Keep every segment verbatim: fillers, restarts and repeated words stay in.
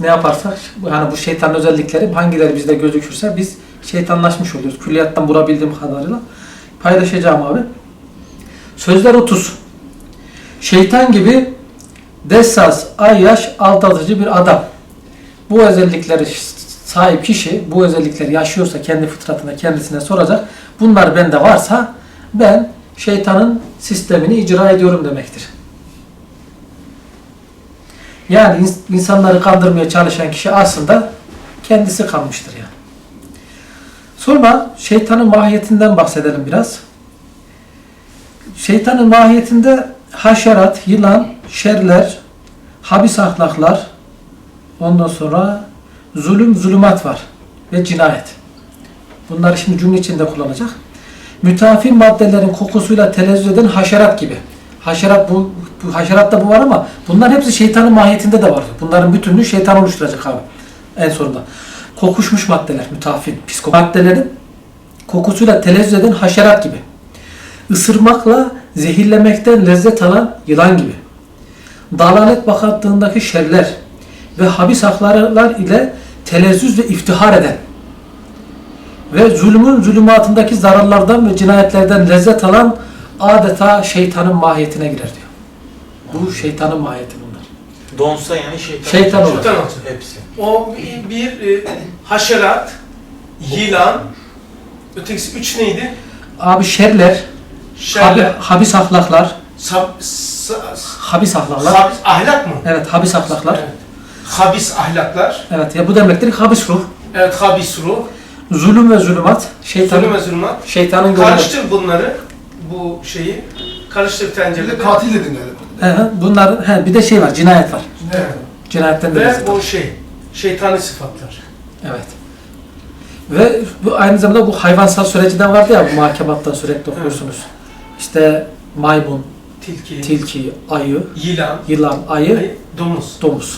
ne yaparsak, yani bu şeytanın özellikleri hangileri bizde gözükürse biz şeytanlaşmış oluyoruz. Külliyattan vurabildiğim kadarıyla paylaşacağım abi. Sözler otuz. Şeytan gibi dessas, ayyaş, aldatıcı bir adam. Bu özellikleri sahip kişi, bu özellikleri yaşıyorsa kendi fıtratına kendisine soracak. Bunlar bende varsa ben şeytanın sistemini icra ediyorum demektir. Yani insanları kandırmaya çalışan kişi aslında kendisi kalmıştır yani. Sonra şeytanın mahiyetinden bahsedelim biraz. Şeytanın mahiyetinde haşerat, yılan, şerler, habis ahlaklar, ondan sonra zulüm, zulümat var ve cinayet. Bunları şimdi cümle içinde kullanacak. Müteafi maddelerin kokusuyla telezzüz eden haşerat gibi. Haşerat bu, bu haşeratta bu var ama bunların hepsi şeytanın mahiyetinde de var. Bunların bütünlüğü şeytan oluşturacak abi. En sonunda. Kokuşmuş maddeler, müteafi, psiko maddelerin kokusuyla telezzüz eden haşerat gibi. Isırmakla zehirlemekten lezzet alan yılan gibi. Dalalet bakatlığındaki şerler ve habis ahlaklar ile telezzüz ve iftihar eden ve zulmün zulümatındaki zararlardan ve cinayetlerden lezzet alan adeta şeytanın mahiyetine girer diyor. Bu şeytanın mahiyeti bunlar. Donsa yani şeytan. Şeytan olur. Şeytan olur. Hepsi. O bir, bir e, haşerat, yılan, ötekisi üç neydi? Abi şerler, Şerler, habi, habis ahlaklar, sab, sa, habis ahlaklar. habis, ahlak mı? Evet, habis ahlaklar. Evet. Habis ahlaklar. Evet, ya bu demektir habis ruh. Evet, habis ruh. Zulüm ve zulümat, şeytanın, Zulüm ve zulümat. şeytanın gönlü. Karıştır bunları, bu şeyi. Karıştır Bir tencerede. de katil dedin galiba. He, bunlar, he, bir de şey var, cinayet var. Evet. Cinayetten de Ve lezzet o alır. şey, şeytani sıfatlar. Evet. Ve bu aynı zamanda bu hayvansal süreciden vardı ya, bu muhakematta sürekli okuyorsunuz. İşte maymun, Tilki, tilki, ayı, yılan, yılan, ayı, ayı, domuz. domuz.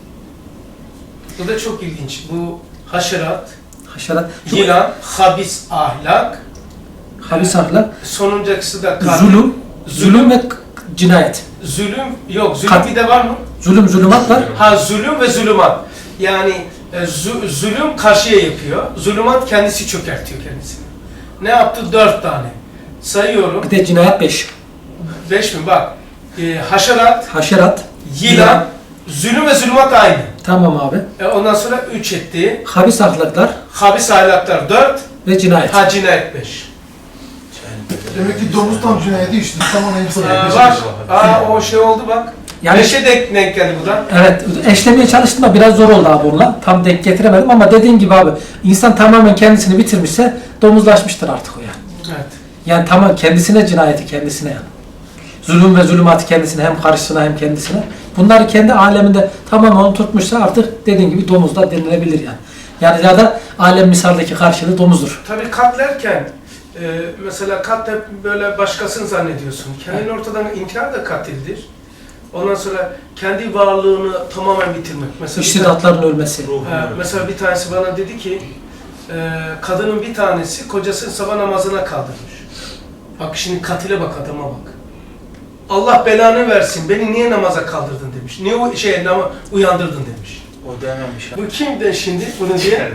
Bu da çok ilginç. Bu haşerat, Haşerat, yılan, habis ahlak, habis ahlak, sonuncusu da katil. zulüm, zulüm ve k- cinayet. Zulüm, yok zulüm Kat- bir de var mı? Zulüm, zulümat var. Ha, zulüm ve zulümat. Yani e, zu- zulüm karşıya yapıyor, zulümat kendisi çökertiyor kendisini. Ne yaptı? Dört tane. Sayıyorum. Bir de cinayet beş. Beş mi? Bak. E, haşerat, Haşerat, yılan, zulüm ve zulümat aynı. tamam abi. E, ondan sonra üç etti. Habis ahlaklar Habis ahlaklar dört, ve cinayet. ha cinayet beş. Demek ki domuz tam cinayeti işledi. Tamam hepsi. Aa, bak, aa, o şey oldu bak. Yani- Beşe denk, denk geldi bu da. Evet, eşlemeye çalıştım da biraz zor oldu abi onunla. Tam denk getiremedim ama dediğim gibi abi, insan tamamen kendisini bitirmişse domuzlaşmıştır artık o yani. Evet. Yani tamam kendisine cinayeti kendisine yani. Zulüm ve zulümatı kendisine, hem karşısına hem kendisine. Bunları kendi aleminde tamamen onu tutmuşsa artık dediğin gibi domuz da denilebilir yani. Yani ya da alem misaldeki karşılığı domuzdur. Tabii katlerken, e, mesela kat hep böyle başkasını zannediyorsun. Kendini ortadan inkar da katildir. Ondan sonra kendi varlığını tamamen bitirmek. Mesela bir, tane, İştidatların ölmesi. e, mesela bir tanesi bana dedi ki, e, kadının bir tanesi kocasını sabah namazına kaldırmış. Bak şimdi katile bak, adama bak. Allah belanı versin, beni niye namaza kaldırdın demiş. Niye o şey nama uyandırdın demiş. O dememiş. Bu kim de şimdi bunu diye?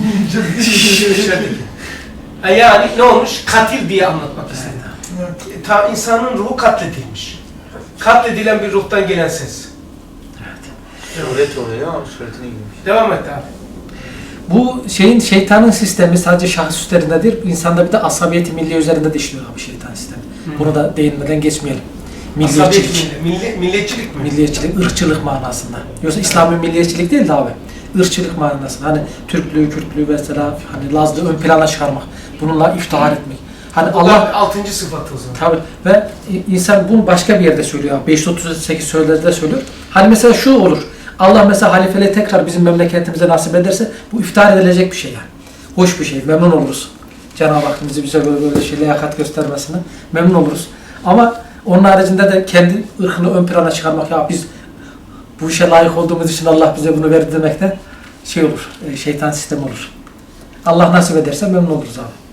İçerideki. Ha, yani ne olmuş? Katil diye anlatmak istedi. Ta insanın ruhu katledilmiş. Katledilen bir ruhtan gelen ses. Suret oluyor ama suretine girmiş. Devam et abi. Bu şeyin, şeytanın sistemi sadece şahıs üzerinde değil, insanda bir de asabiyeti milli üzerinde de işliyor abi şeytan sistemi. Hı. Bunu da değinmeden geçmeyelim. Asabiyet Milliyetçilik. milli, milli, milliyetçilik mi? Milliyetçilik, ırkçılık manasında. Yoksa İslami milliyetçilik değil de abi. Irkçılık manasında. Hani Türklüğü, Kürtlüğü mesela, hani Lazlığı ön plana çıkarmak. Bununla iftihar etmek. Hani Bu Allah da altıncı sıfatı o zaman. tabii ve insan bunu başka bir yerde söylüyor. beş yüz otuz sekiz söylerde söylüyor. Hani mesela şu olur. Allah mesela halifeliği tekrar bizim memleketimize nasip ederse bu iftihar edilecek bir şey yani. Hoş bir şey. Memnun oluruz. Cenab-ı Hak bizi bize böyle böyle şey liyakat göstermesine memnun oluruz. Ama onun haricinde de kendi ırkını ön plana çıkarmak, ya biz bu işe layık olduğumuz için Allah bize bunu verdi demekten şey olur. Şeytan sistemi olur. Allah nasip ederse memnun oluruz abi.